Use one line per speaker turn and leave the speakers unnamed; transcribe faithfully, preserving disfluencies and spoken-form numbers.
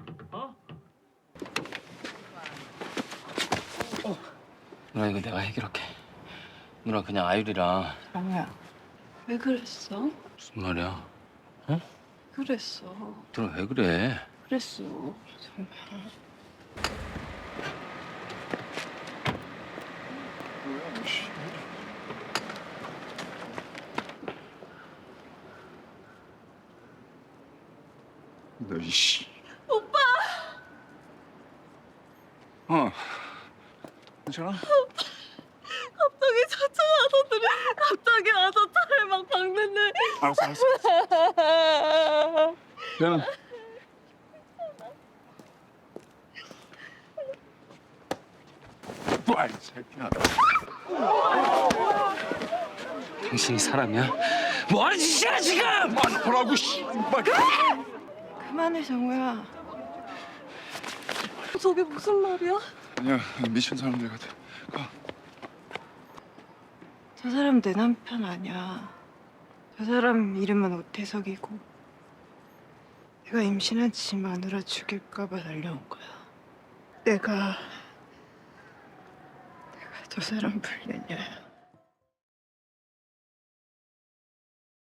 어?
누나 이거 내가 해결할게. 누나 그냥 아유리랑.
정우야, 왜 그랬어?
무슨 말이야?
그랬어.
누나 왜 그래?
그랬어. 정말.
너 이씨.
오빠!
어. 괜찮아?
갑자기 쫓아와서들이 갑자기 와서 차를 막 박는데.
알았어, 알았어. 얘는 뭐야, 이 새끼야.
당신이 사람이야? 뭐 하는 짓이야 지금?
아, 뭐라고, 씨. 말.
그만해, 정우야. 저게 무슨 말이야?
아니야, 미친 사람들 같아. 가.
저 사람 내 남편 아니야. 저 사람 이름은 오태석이고 내가 임신한 지 마누라 죽일까 봐 달려온 거야. 내가 내가 저 사람 불륜녀야.